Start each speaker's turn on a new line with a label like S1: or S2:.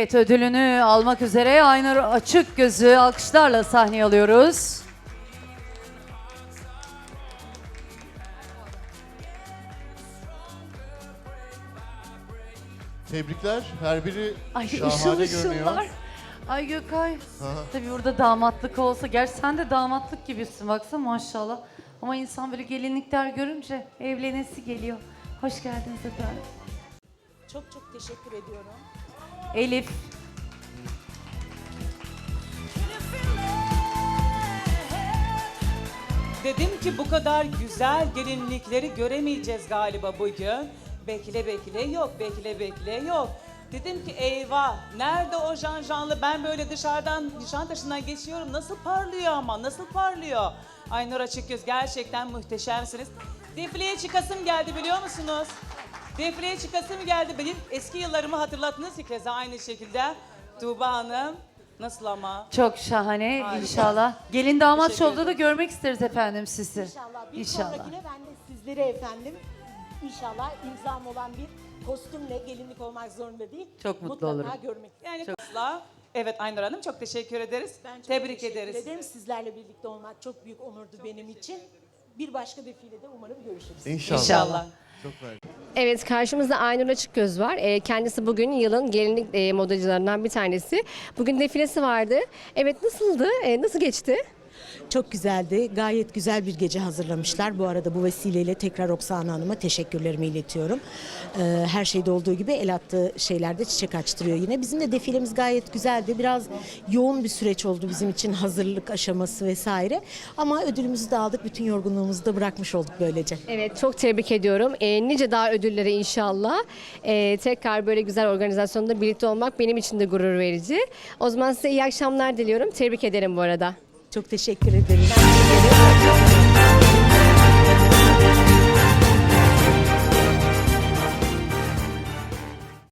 S1: Evet, ödülünü almak üzere Aynur Açıkgöz'ü alkışlarla sahneye alıyoruz.
S2: Tebrikler. Her biri
S1: Ay ışıl
S2: şahane
S1: ışıllar.
S2: görünüyor.
S1: Ay Gökay.
S2: Aha.
S1: Tabii burada damatlık olsa. Gerçi sen de damatlık gibisin baksana maşallah. Ama insan böyle gelinlikler görünce evlenesi geliyor. Hoş geldiniz efendim.
S3: Çok çok teşekkür ediyorum.
S1: Elif.
S3: Dedim ki bu kadar güzel gelinlikleri göremeyeceğiz galiba bugün. Bekle bekle yok, bekle bekle yok. Dedim ki eyvah, nerede o janjanlı? Ben böyle dışarıdan, Nişantaşı'ndan geçiyorum. Nasıl parlıyor ama, nasıl parlıyor? Aynur Açıkgöz, gerçekten muhteşemsiniz. Defileye çıkasım geldi biliyor musunuz? Defileye çıkasım geldi. Benim eski yıllarımı hatırlattınız ki keza aynı şekilde. Tuğba Hanım, nasıl ama?
S1: Çok şahane
S3: Harika.
S1: inşallah. Gelin damat
S3: Teşekkür
S1: şovda da
S3: ederim.
S1: görmek isteriz efendim sizi.
S4: İnşallah. Bir
S1: İnşallah.
S4: sonrakine ben de sizlere efendim inşallah imzam olan bir kostümle gelinlik olmak zorunda değil.
S1: Çok mutlu
S4: Mutlaka
S1: olurum.
S4: görmek.
S3: Yani asla. Evet Aynur Hanım, çok teşekkür ederiz.
S4: Ben çok
S3: Tebrik
S4: teşekkür
S3: ederiz.
S4: ederim. Sizlerle birlikte olmak çok büyük onurdu benim için. Bir başka defilede umarım görüşürüz.
S2: İnşallah.
S3: İnşallah.
S2: Çok merak
S5: Evet, karşımızda Aynur Açıkgöz var. Kendisi bugün yılın gelinlik modacılarından bir tanesi. Bugün defilesi vardı. Evet, nasıldı? Nasıl geçti?
S4: Çok güzeldi. Gayet güzel bir gece hazırlamışlar. Bu arada bu vesileyle tekrar Oksana Hanım'a teşekkürlerimi iletiyorum. Her şeyde olduğu gibi el attığı şeylerde çiçek açtırıyor yine. Bizim de defilemiz gayet güzeldi. Biraz yoğun bir süreç oldu bizim için, hazırlık aşaması vesaire. Ama ödülümüzü de aldık. Bütün yorgunluğumuzu da bırakmış olduk böylece.
S5: Evet, çok tebrik ediyorum. Nice daha ödüllere inşallah. Tekrar böyle güzel organizasyonda birlikte olmak benim için de gurur verici. O zaman size iyi akşamlar diliyorum. Tebrik ederim bu arada.
S4: Çok teşekkür ederim.